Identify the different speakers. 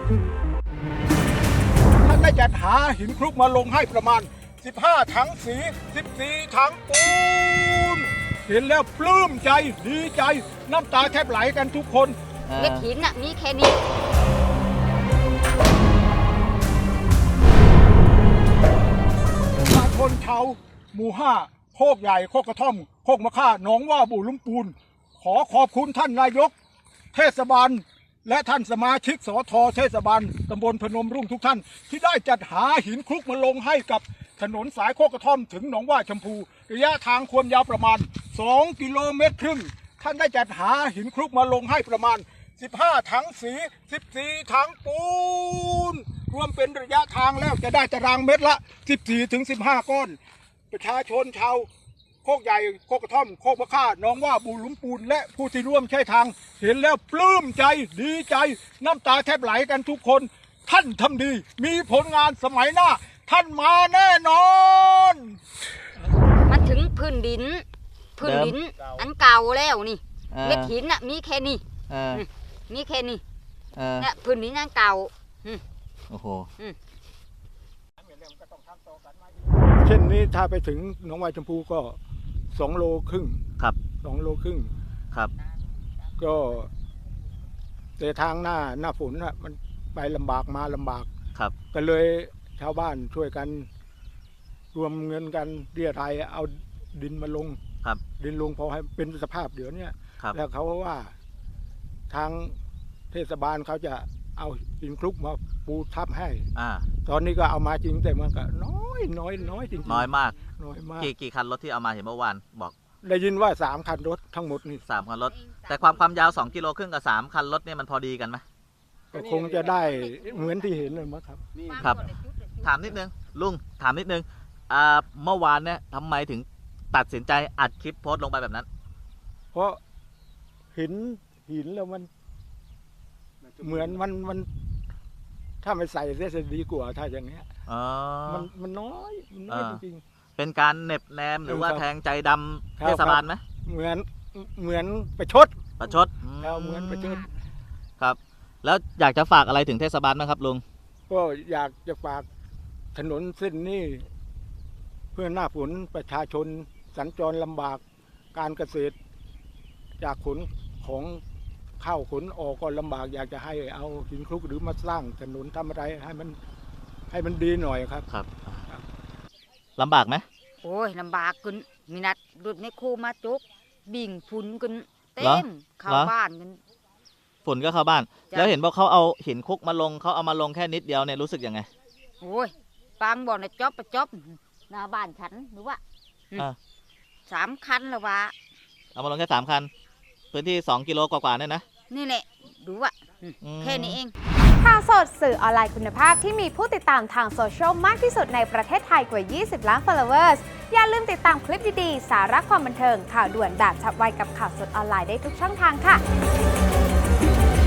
Speaker 1: ท่านได้จัดหาหินคลุกมาลงให้ประมาณ15 ถังสี14 ถังปูนเห็นแล้วปลื้มใจดีใจน้ำตาแทบไหลกันทุกคน
Speaker 2: เม็ดหินน่ะมีแค่นี้
Speaker 1: ประชาชนชาวหมู่5โคกใหญ่โคกกระท่อมโคกมะค่าหนองว่าบุลุ่มปูนขอขอบคุณท่านนายกเทศบาลและท่านสมาชิกสทเทศบาลตำบลพนมรุ่งทุกท่านที่ได้จัดหาหินคลุกมาลงให้กับถนนสายโคกกระท่อมถึงหนองว่าชมพูระยะทางความยาวประมาณ2 กิโลเมตรครึ่งท่านได้จัดหาหินคลุกมาลงให้ประมาณ15 ถังสี14 ถังปูนรวมเป็นระยะทางแล้วจะได้ตารางเมตรละ14 ถึง 15 ก้อนประชาชนชาวโคกใหญ่โคกกระท่อมโคกมะค่าน้องว่าบุลุ่มปูนและผู้ที่ร่วมใช้ทางเห็นแล้วปลื้มใจดีใจน้ำตาแทบไหลกันทุกคนท่านทำดีมีผลงานสมัยหน้าท่านมาแน่นอน
Speaker 2: มันถึงพื้นดินอันเก่าแล้วนี่เม็ดหินน่ะมีแค่นี้มีแค่นี้เนี่ยพื้นดินอันเก่า
Speaker 3: โอ้โห
Speaker 1: เช่นนี้ถ้าไปถึงหนองวายชมพูก็2 โลครึ่ง
Speaker 3: ครับ
Speaker 1: 2 โลครึ่ง
Speaker 3: ครับ
Speaker 1: ก็แต่ทางหน้าฝนน่ะมันไปลำบากมาลำบาก
Speaker 3: ครับ
Speaker 1: ก็เลยชาวบ้านช่วยกันรวมเงินกันเรียรายเอาดินมาลง
Speaker 3: ครับ
Speaker 1: ดินลงพอให้เป็นสภาพเดี๋ยวนี้แล้วเขาว่าทางเทศบาลเขาจะเอาหินคลุกมาปูทับให้ตอนนี้ก็เอามาจริงแต่มันก็น้อยจริง
Speaker 3: น้อยมาก
Speaker 1: กี่
Speaker 3: คันรถที่เอามาเห็นเมื่อวานบอก
Speaker 1: ได้ยินว่า3 คันรถทั้งหมดนี่
Speaker 3: 3 คันรถแต่ความยาว2 กิโลครึ่งกับ3 คันรถเนี่ยมันพอดีกันไหม
Speaker 1: ก็คงจะได้เหมือนที่เห็นเลยมั้งครับ
Speaker 3: ครับถามนิดนึงลุงถามนิดนึงเมื่อวานเนี่ยทำไมถึงตัดสินใจอัดคลิปโพสต์ลงไปแบบนั้น
Speaker 1: เพราะหินแล้วมันเหมือนมันถ้าไม่ใส่เสียจะดีกว่าถ้าอย่างเงี้ยมันน้อยจริง
Speaker 3: ๆเป็นการเน็บแนมหรือว่าแทงใจดำเทศบาลไหม
Speaker 1: เหมือนประชดเหมือนประชด
Speaker 3: ครับแล้วอยากจะฝากอะไรถึงเทศบาลไหมครับลุง
Speaker 1: ก็อยากจะฝากถนนเส้นนี้เพื่อหน้าฝนประชาชนสัญจรลำบากการเกษตรจากขนของเข้าขนออกก็ลำบากอยากจะให้เอาหินคลุกหรือมาสร้างถนนทำอะไรให้มันดีหน่อยครับ
Speaker 3: ลำบากไหม
Speaker 2: โอ้ยลำบากกันมีนัดรถในโคมาจุกบิ่งฝุ่นกันเต็มเข้าบ้านกัน
Speaker 3: ฝุ่นก็เข้าบ้านแล้วเห็นว่าเขาเอาหินคลุกมาลงเขาเอามาลงแค่นิดเดียวเนี่ยรู้สึกยังไง
Speaker 2: โอ้ยปังบอกในจ๊อบหน้าบ้านฉันหรือว่า3 คันแล้ววะ
Speaker 3: เอามาลงแค่3 คันพื้นที่2 กิโลกว่าเนี่ยนะ
Speaker 2: นี่แหละดูว่าแค่นี้เอง
Speaker 4: ข่าวสดสื่อออนไลน์คุณภาพที่มีผู้ติดตามทางโซเชียลมากที่สุดในประเทศไทยกว่า20 ล้าน followers อย่าลืมติดตามคลิปดีๆสาระความบันเทิงข่าวด่วนแบบฉับไวกับข่าวสดออนไลน์ได้ทุกช่องทางค่ะ